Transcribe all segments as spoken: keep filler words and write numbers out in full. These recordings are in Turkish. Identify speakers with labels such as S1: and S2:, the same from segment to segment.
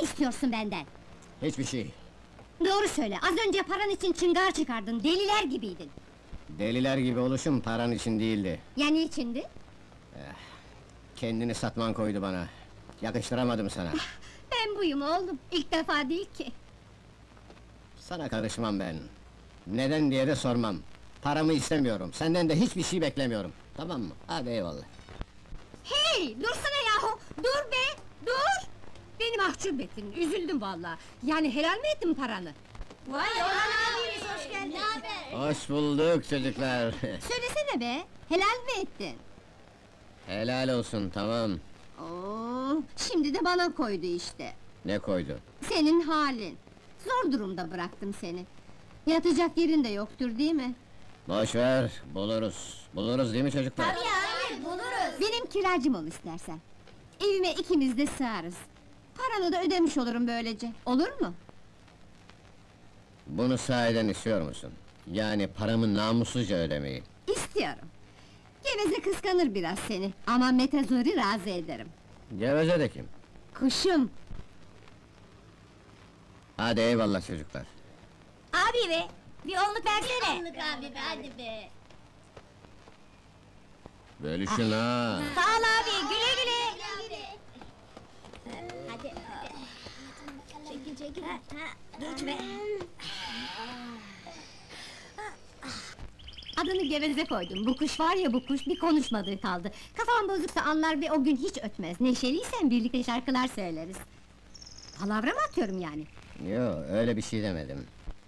S1: istiyorsun benden?
S2: Hiçbir şey.
S1: Doğru söyle, az önce paran için çıngar çıkardın, deliler gibiydin.
S2: Deliler gibi oluşum paran için değildi.
S1: Ya niçindi?
S2: Kendini satman koydu bana. Yakıştıramadım sana.
S1: Ben buyum oğlum, ilk defa değil ki.
S2: Sana karışmam ben. Neden diye de sormam. Paramı istemiyorum, senden de hiçbir şey beklemiyorum. Tamam mı? Hadi eyvallah.
S1: Hey, dursana yahu! Dur be, dur! Beni mahcup ettin, üzüldüm vallahi. Yani helal mi ettin paranı?
S3: Vay Orhan abimiz hoş geldin.
S2: Hoş bulduk çocuklar.
S1: Söylesene be, helal mi ettin?
S2: Helal olsun, tamam.
S1: Oo, şimdi de bana koydu işte.
S2: Ne koydu?
S1: Senin halin. Zor durumda bıraktım seni. Yatacak yerin de yoktur değil mi?
S2: Boş ver, buluruz. Buluruz değil mi çocuklar?
S3: Tabii abi buluruz.
S1: Benim kiracım ol istersen. Evime ikimiz de sığarız. Paranı da ödemiş olurum böylece. Olur mu?
S2: Bunu sahiden istiyor musun? Yani paramı namussuzca ödemeyi.
S1: İstiyorum. Geveze kıskanır biraz seni. Ama Metezor'u razı ederim.
S2: Geveze de kim?
S1: Kuşum!
S2: Hadi eyvallah çocuklar.
S3: Abi be, bir onluk versene. Onluk abi be, hadi be.
S2: Bölüşün ha!
S3: Sağ ol abi, güle güle. Hadi, hadi. Çekil, çekil. Geçme.
S1: Adını Geveze koydum. Bu kuş var ya bu kuş, bir konuşmadığı kaldı. Kafam bozuksa anlar ve o gün hiç ötmez. Neşeliysen birlikte şarkılar söyleriz. Palavra mı atıyorum yani?
S2: Yo, öyle bir şey demedim.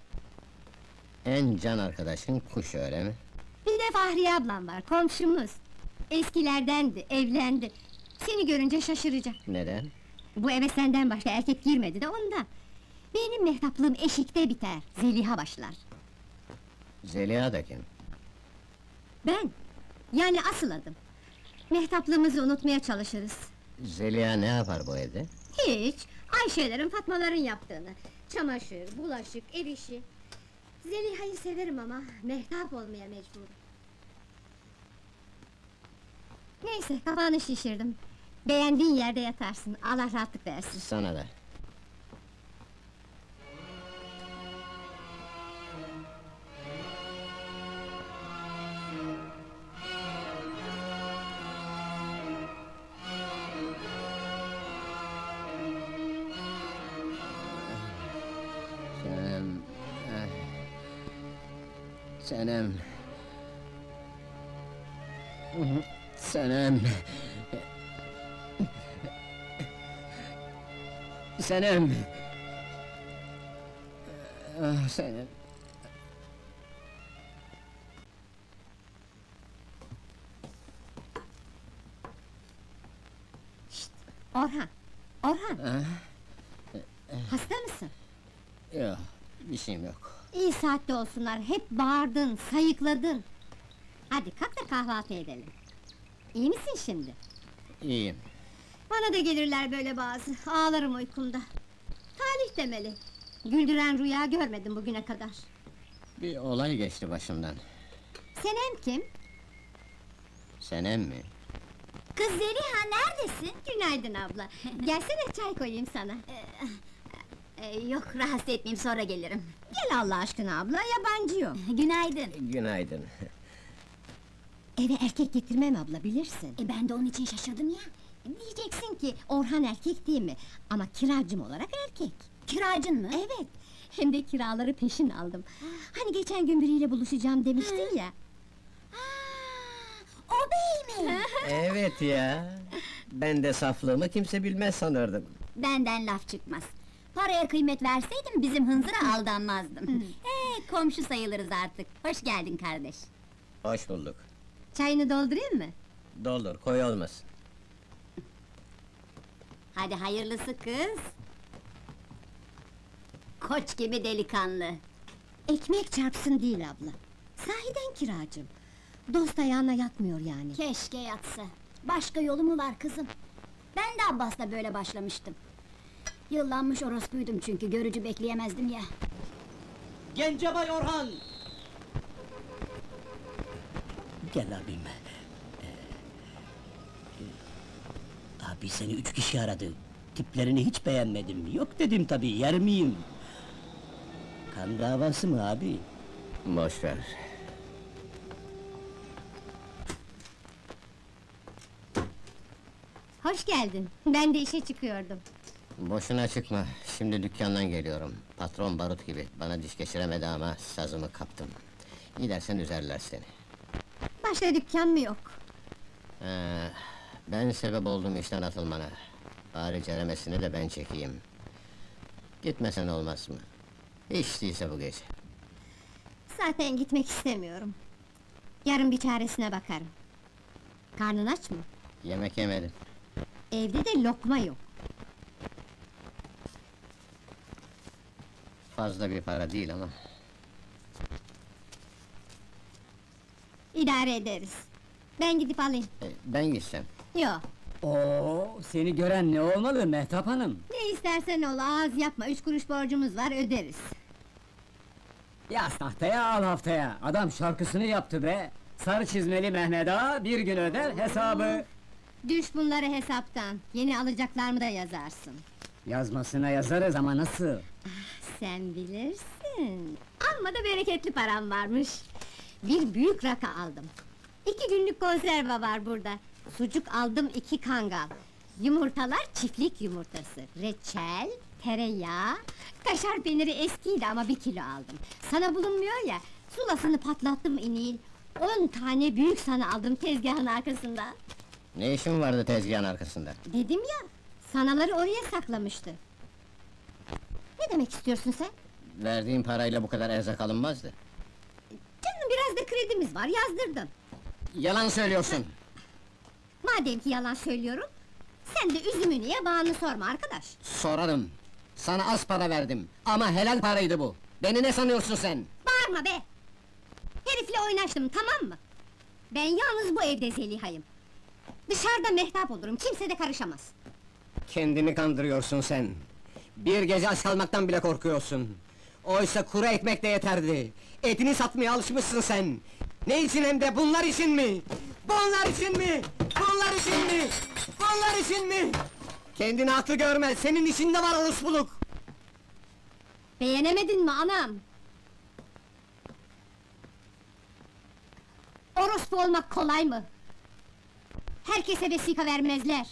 S2: En can arkadaşın kuş, öyle mi?
S1: Bir de Fahriye ablam var, komşumuz. Eskilerdendi, evlendi. Seni görünce şaşıracak.
S2: Neden?
S1: Bu eve senden başka erkek girmedi de ondan. Benim mehtaplığım eşikte biter, Zeliha başlar.
S2: Zeliha da kim?
S1: Ben, yani asıl adım. Mehtaplığımızı unutmaya çalışırız.
S2: Zeliha ne yapar bu evde?
S1: Hiç, Ayşelerin, Fatmaların yaptığını. Çamaşır, bulaşık, ev işi. Zeliha'yı severim ama mehtap olmaya mecburum. Neyse, kafanı şişirdim. Beğendiğin yerde yatarsın, Allah rahatlık versin.
S2: Sana da. Senem... eh. Senem... Senem... Senem... Ah, Senem...
S1: Orhan, Orhan,
S2: Ah,
S1: hasta mısın?
S2: yok, bir şeyim yok.
S1: İyi saatte olsunlar, hep bağırdın, sayıkladın. Hadi kalk da kahvaltı edelim. İyi misin şimdi?
S2: İyiyim.
S1: Bana da gelirler böyle bazı, ağlarım uykumda. Talih demeli. Güldüren rüya görmedim bugüne kadar.
S2: Bir olay geçti başımdan.
S1: Senem kim?
S2: Senem mi?
S3: Kız Zeliha neredesin?
S1: Günaydın abla. Gelsene çay koyayım sana.
S3: Ee, yok rahatsız etmeyeyim sonra gelirim.
S1: Gel Allah aşkına abla, yabancı yok.
S3: Günaydın.
S2: Günaydın.
S1: Eve erkek getirmem abla, bilirsin.
S3: E ben de onun için şaşırdım ya.
S1: Diyeceksin ki Orhan erkek değil mi? Ama kiracım olarak erkek.
S3: Kiracın mı?
S1: Evet, hem de kiraları peşin aldım. Hani geçen gün biriyle buluşacağım demiştin ya.
S3: O bey mi?
S2: Evet ya. Ben de saflığımı kimse bilmez sanırdım.
S3: Benden laf çıkmaz. Paraya kıymet verseydim bizim hınzıra aldanmazdım. Ee, komşu sayılırız artık. Hoş geldin kardeş.
S2: Hoş bulduk.
S1: Çayını doldurayım mı?
S2: Doldur, koy olmasın.
S3: Hadi hayırlısı kız. Koç gibi delikanlı.
S1: Ekmek çarpsın değil abla. Sahiden kiracım. Dost ayağına yatmıyor yani.
S3: Keşke yatsa. Başka yolu mu var kızım? Ben de Abbas'la böyle başlamıştım. Yıllanmış orospuydum çünkü görücü bekleyemezdim ya.
S4: Gencebay Orhan! Gel abim. Ee, e, abi seni üç kişi aradı. Tiplerini hiç beğenmedim. Yok dedim tabii, yer miyim? Kan davası mı abi?
S2: Boş ver.
S1: Hoş geldin. Ben de işe çıkıyordum.
S2: Boşuna çıkma, şimdi dükkandan geliyorum. Patron barut gibi, bana diş geçiremedi ama sazımı kaptım. Gidersen üzerler seni.
S1: Başka dükkan mı yok?
S2: Ee, ben sebep oldum işten atılmana. Bari ceremesini de ben çekeyim. Gitmesen olmaz mı? Hiç değilse bu gece.
S1: Zaten gitmek istemiyorum. Yarın bir çaresine bakarım. Karnın aç mı?
S2: Yemek yemedim.
S1: Evde de lokma yok.
S2: Fazla bir para değil ama.
S1: İdare ederiz. Ben gidip alayım.
S2: e, ben gitsem.
S1: Yok.
S4: Oo, seni gören ne olmalı Mehtap Hanım?
S1: Ne istersen ol, ağız yapma. Üç kuruş borcumuz var, öderiz.
S4: Yaz tahtaya al haftaya. Adam şarkısını yaptı be. Sarı çizmeli Mehmet Ağa bir gün öder hesabı.
S1: Düş bunları hesaptan. Yeni alacaklarımı da yazarsın.
S4: Yazmasına yazarız ama nasıl?
S1: Sen bilirsin. Amma da bereketli param varmış. Bir büyük rakı aldım. İki günlük konserve var burada. Sucuk aldım, iki kangal. Yumurtalar çiftlik yumurtası. Reçel, tereyağı, kaşar peyniri eskiydi ama bir kilo aldım. Sana bulunmuyor ya, sulasını patlattım inil. On tane büyük sana aldım tezgahın arkasında.
S2: Ne işin vardı tezgahın arkasında?
S1: Dedim ya, sanaları oraya saklamıştı. Ne demek istiyorsun sen?
S2: Verdiğin parayla bu kadar erzak alınmazdı.
S1: Canım biraz da kredimiz var, yazdırdım.
S2: Yalan söylüyorsun!
S1: Madem ki yalan söylüyorum, sen de üzümü niye bağını sorma arkadaş.
S2: Sorarım! Sana az para verdim, ama helal paraydı bu! Beni ne sanıyorsun sen?
S1: Bağırma be! Herifle oynaştım, tamam mı? Ben yalnız bu evde Zeliha'yım. Dışarıda mehtap olurum, kimse de karışamaz.
S2: Kendini kandırıyorsun sen! Bir gece aç kalmaktan bile korkuyorsun! Oysa kuru ekmek de yeterdi! Etini satmaya alışmışsın sen! Ne için hem de bunlar için mi? Bunlar için mi? Bunlar için mi? Bunlar için mi? Kendini haklı görme, senin içinde var orospuluk!
S1: Beğenemedin mi anam? Orospu olmak kolay mı? Herkese vesika vermezler.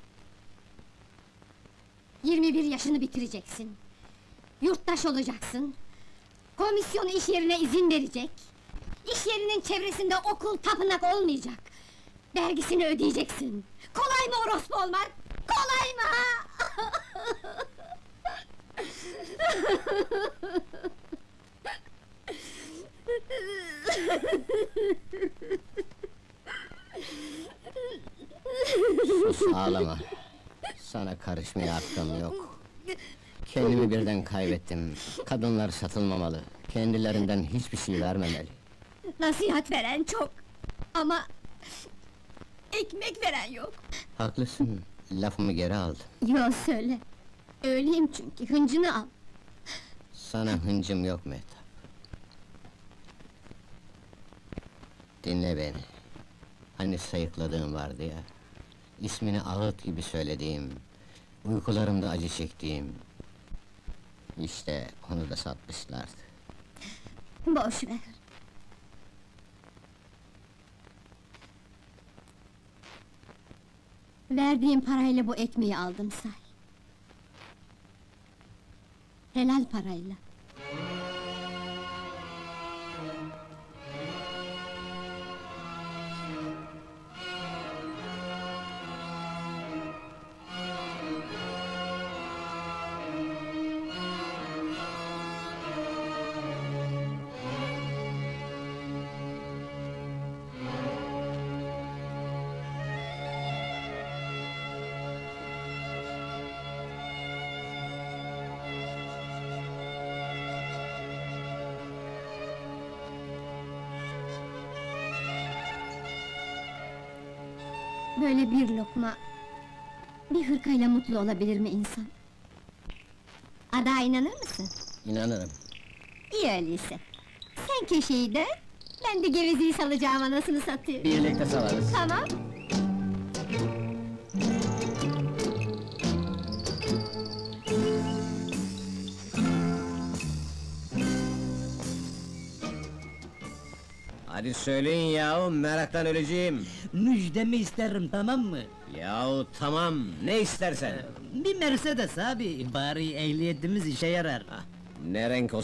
S1: Yirmi bir yaşını bitireceksin. Yurttaş olacaksın. Komisyon iş yerine izin verecek. İş yerinin çevresinde okul, tapınak olmayacak. Vergisini ödeyeceksin. Kolay mı orospu olmak? Kolay mı ha?
S2: Sus, ağlama! Sana karışmaya hakkım yok. Kendimi birden kaybettim. Kadınlar satılmamalı. Kendilerinden hiçbir şey vermemeli.
S1: Nasihat veren çok. Ama... ekmek veren yok.
S2: Haklısın, lafımı geri aldım.
S1: Yo söyle. Öyleyim çünkü, hıncını al.
S2: Sana hıncım yok Mehtap. Dinle beni. Hani sayıkladığım vardı ya... ...İsmini ağıt gibi söylediğim... ...uykularımda acı çektiğim... ...İşte onu da satmışlardı.
S1: Boş ver. Verdiğim parayla bu ekmeği aldım say. Helal parayla. Böyle bir lokma... ...bir hırkayla mutlu olabilir mi insan? Ada inanır mısın?
S2: İnanırım.
S1: İyi öyleyse. Sen köşeyi dön, ben de gevezeyi salacağım anasını satayım.
S2: Birlikte salarız.
S1: Tamam.
S2: Hadi söyleyin yahu, meraktan öleceğim.
S5: Müjdemi isterim, tamam mı?
S2: Yahu tamam, ne istersen.
S5: Bir Mercedes abi, bari ehliyetimiz işe yarar.
S2: Ne renk